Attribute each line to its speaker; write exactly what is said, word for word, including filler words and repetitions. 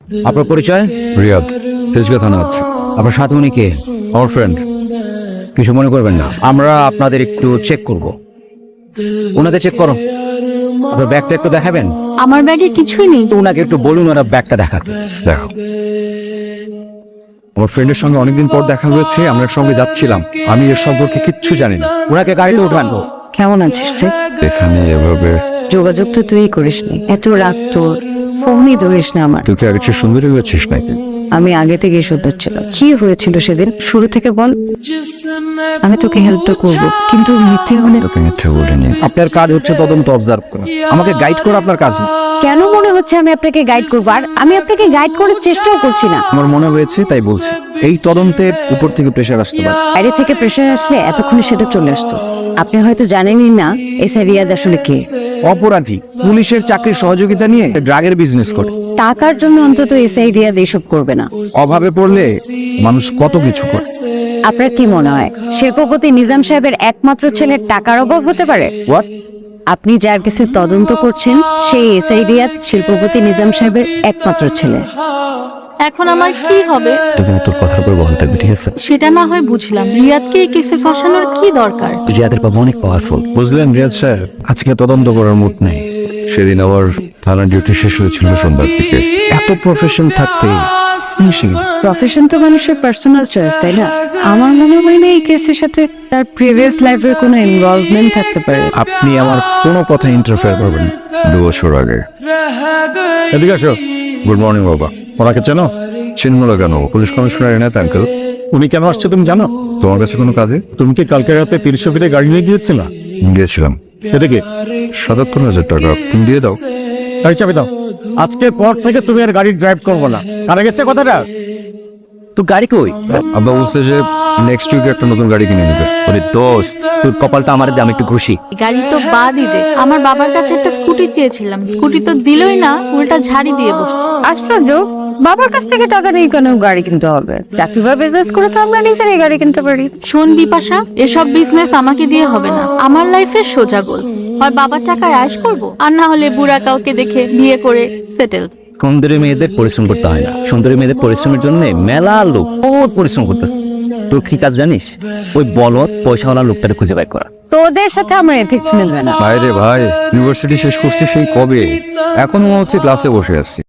Speaker 1: আপনার পরিচয়?
Speaker 2: রিয়াদ, তেজগাঁ থানা আছে।
Speaker 1: আপনার সাথে উনি কে?
Speaker 2: আমার ফ্রেন্ড।
Speaker 1: কিছু মনে করবেন না, আমরা আপনাদের একটু চেক করব। ওনাকে চেক করো। আপনার ব্যাগটা একটু দেখাবেন?
Speaker 3: আমার ব্যাগে কিছুই নেই।
Speaker 1: তো ওনাকে একটু বলুন ওরা ব্যাগটা দেখাতে।
Speaker 2: দেখো, আমার ফ্রেন্ডের সঙ্গে অনেকদিন পর দেখা হয়েছে, আমরা সঙ্গে যাচ্ছিলাম। আমি এর সম্পর্কে কিচ্ছু জানি না।
Speaker 1: ওনাকে গাড়িতে উঠান।
Speaker 3: কেমন আছিস তুই?
Speaker 2: এখানে এভাবে
Speaker 3: যোগাযোগ তো তুই করিসনি, এত রাত তোর, ফোনই ধরিস না আমার।
Speaker 2: তুই কি আগে চেয়ে সুন্দরী হয়েছিস নাকি?
Speaker 3: আমি আগে থেকেই সুন্দর ছিলাম। কি হয়েছিল সেদিন, শুরু থেকে বল। আমি তোকে হেল্পটা করব, কিন্তু মিথ্যে হলে।
Speaker 2: তোকে মিথ্যে বলিনি।
Speaker 1: আপনার কাজ হচ্ছে তদন্ত অবজার্ভ করা, আমাকে গাইড করা আপনার কাজ না।
Speaker 3: কেন মনে হচ্ছে আমি আপনাকে গাইড করবো? আর আমি আপনাকে গাইড করার চেষ্টাও করছি না।
Speaker 1: আমার মনে হয়েছে তাই বলছি। এই তদন্তের উপর থেকে প্রেশার আসতে পারে।
Speaker 3: বাইরে থেকে প্রেশার আসলে এতক্ষণে সেটা চলে আসতো। আপনি হয়তো জানেনই না এসআই রিয়াদ আসলে কে।
Speaker 1: অপরাধী, পুলিশের চাকরির সহযোগিতা নিয়ে ড্রাগের বিজনেস করে।
Speaker 3: টাকার জন্য অন্তত এসআই রিয়াদ এসব করবে না।
Speaker 1: অভাবে পড়লে মানুষ কত কিছু করে।
Speaker 3: আপনার কি মনে হয় শিল্পপতি নিজাম সাহেবের একমাত্র ছেলের টাকার অভাব হতে পারে?
Speaker 1: হোয়াট?
Speaker 3: আপনি যার কাছে তদন্ত করছেন সেই এসআই রিয়াদ শিল্পপতি নিজাম সাহেবের একমাত্র ছেলে।
Speaker 4: এখন আমার কি হবে?
Speaker 1: তুই কিন্তু তোর কথার উপর বহাল থাকবি, ঠিক আছে?
Speaker 4: সেটা না হয় বুঝলাম, রিয়াদকে এই কেসে ফাঁসানোর কি দরকার?
Speaker 1: রিয়াদের বাবা অনেক পাওয়ারফুল, বুঝলেন রিয়াদ স্যার? আজকে তদন্ত করার মুড নেই।
Speaker 2: সেদিন আমার থানার ডিউটি শেষ হয়েছিল সন্ধ্যার দিকে।
Speaker 1: এত প্রফেশন থাকতে ফিনিশিং।
Speaker 3: প্রফেশন তো মানুষের পার্সোনাল চয়েস, তাই না? আমার মনে হয় না এই কেসের সাথে তার প্রিভিয়াস লাইফের কোনো ইনভলভমেন্ট থাকতে পারে।
Speaker 1: আপনি আমার কোনো কথা ইন্টারফেয়ার করবেন না।
Speaker 2: দু বছর আগে। এদিকে আসো। গুড মর্নিং বাবা। ওনাকে চেনো? চিনব না কেন? Police commissioner Enayet uncle.
Speaker 5: উনি কেন আসছে তুমি জানো?
Speaker 2: তোমার কাছে কোনো কাজে?
Speaker 5: তুমি কি কালকে রাতে তিরিশশো ফিটে গাড়ি নিয়ে গিয়েছিল?
Speaker 2: গিয়েছিলাম।
Speaker 5: এটা কি?
Speaker 2: সাতাত্তর হাজার টাকা তুমি দিয়ে দাও।
Speaker 5: গাড়ি চাবি দাও। আজকের পর থেকে তুমি আর গাড়ি ড্রাইভ করবো না। কারা গেছে কথাটা?
Speaker 1: তোর গাড়ি কই?
Speaker 2: আব্বা বলছে যে নেক্সট উইকে একটা নতুন গাড়ি কিনে নেবে।
Speaker 1: ওরে দোস্ত, তোর কপালটা আমার দাম একটু খুশি।
Speaker 4: গাড়ি তো বাদই দে, আমার বাবার কাছে একটা স্কুটি চেয়েছিলাম, স্কুটি তো দিলই না, উল্টা ঝাড়ি দিয়ে বসছে।
Speaker 3: আশ্চর্য, বাবার কাছ থেকে টাকা নেই কেন গাড়ি কিনতে হবে? চাকরি বা বিজনেস করে তো আমরা নিজেরাই গাড়ি কিনতে পারি।
Speaker 4: শোন বিপাশা, এসব বিজনেস আমাকে দিয়ে হবে না। আমার লাইফের সোজা গোল, হয় বাবার টাকায় আয়েশ করব, আর না হলে বুড়া কাউকে দেখে বিয়ে করে সেটেল।
Speaker 1: সুন্দরী মেয়েদের পরিশ্রম করতে হয় না, সুন্দরী মেয়েদের পরিশ্রমের জন্য মেলা লোক বহুত পরিশ্রম করতেছে। তোর কি কাজ জানিস? ওই বলদ পয়সাওয়ালা লোকটাকে খুঁজে বের করা।
Speaker 3: তোদের সাথে আমার এথিক্স মিলবে না।
Speaker 2: ভাই রে ভাই, ইউনিভার্সিটি শেষ করছি সেই কবে, এখন মনে হচ্ছে ক্লাসে বসে আছি।